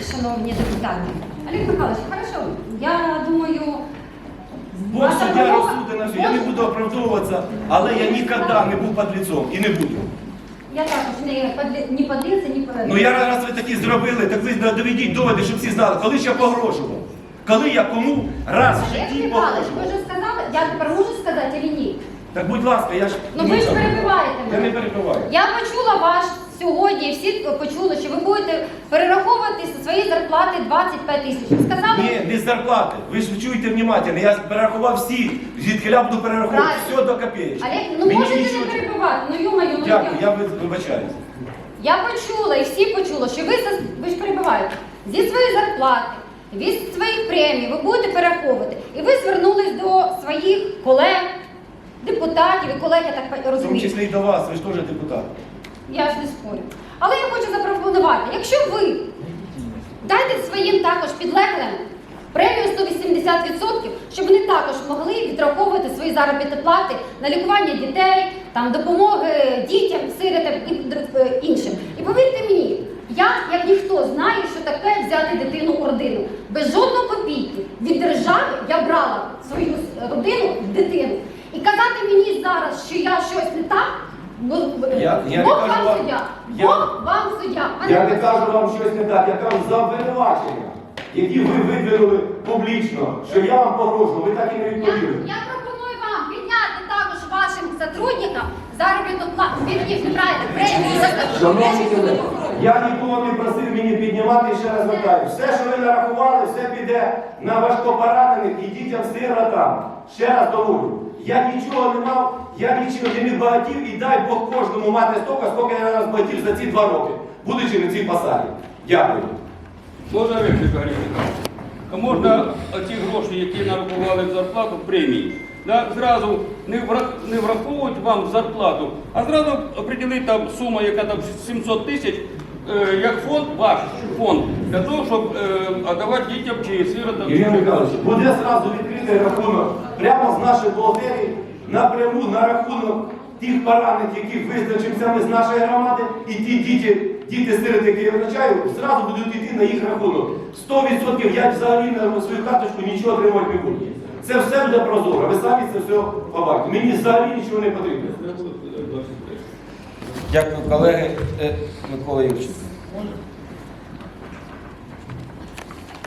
шановні депутати. Олег Михайлович, хорошо, я думаю... Бог суддя розсудить, що я не буду оправдовуватися, але я ніколи не був подлецом і не буду. Я також не подлеця, ні подлеця. Ну я раз ви такі зробили, так ви доведіть доводи, щоб всі знали, коли ж я погрожував. Коли я кому раз в Олег житті Михайлович, ви погрожував. вже сказали, я тепер можу сказати чи ні? Так будь ласка, я ж... Ну ви ж перебиваєте Я мене. не перебиваю. Я почула ваш сьогодні, всі почули, що ви будете перераховувати зі своєї зарплати 25 тисяч. Ви сказали? Ні, не з зарплати. Ви ж чуєте внимательно. Я перерахував всі, звідки я буду перераховувати Правильно. все до копеечки. Олег, ну Мені можете нічого- не перебивати, ну ё-моё, ну Дякую, я вибачаюсь. Я почула і всі почули, що ви ж перебиваєте, зі своєї зарплати, від своїх премій ви будете перераховувати. І ви звернулись до своїх колег, депутатів і колег, я так В тому розумію. числі і до вас, ви ж теж депутат. Я ж не спорю. Але я хочу запропонувати, якщо ви дайте своїм також підлеглим премію 180%, щоб вони також могли відраховувати свої заробітні плати на лікування дітей, там, допомоги дітям, сиротам і іншим. І повірте мені, я, як ніхто, знаю, що таке взяти дитину у родину. Без жодної копійки від держави я брала свою родину в дитину. І казати мені зараз, що я щось не так, Я не Бог кажу вам вам- суддя. я- Бог вам суддя. Я не кажу вам щось не так, я кажу за обвинувачення, які ви видвинули публічно, що я вам погрожував, ви так і не відповіли. Я пропоную вам підняти також вашим сотрудникам заробітну плату. Вірніше, неправильно, премію. Шановні колеги, я нікого не просив мені піднімати, і ще раз звертаю. Все, що ви нарахували, все піде на важкопоранених і дітям-сиротам. Ще раз доволю. Я нічого не мав, я нічого не багатів, і дай Бог кожному мати стільки, скільки я розбагатів за ці 2 роки, будучи на цій посаді. Дякую. Можна репліка, Олег Михайлович? А можна ті гроші, які нарахували в зарплату, премії, да, зразу не враховують вам в зарплату, а зразу определити там суму, яка там 700 тисяч, як фонд, ваш фонд, для того, щоб давати дітям чи сиротам. Ірина Михайлович, буде зразу відкритий рахунок прямо з нашої бухгалтерії, напряму на рахунок тих поранених, яких визначимося ми з нашої громади, і ті діти-сироти, які я визначаю, зразу будуть йти на їх рахунок. 100% я взагалі на свою карточку нічого отримувати не буду. Це все буде прозоро, ви самі це все побачите. Мені взагалі нічого не потрібно. Дякую, колеги. Микола Юрченко.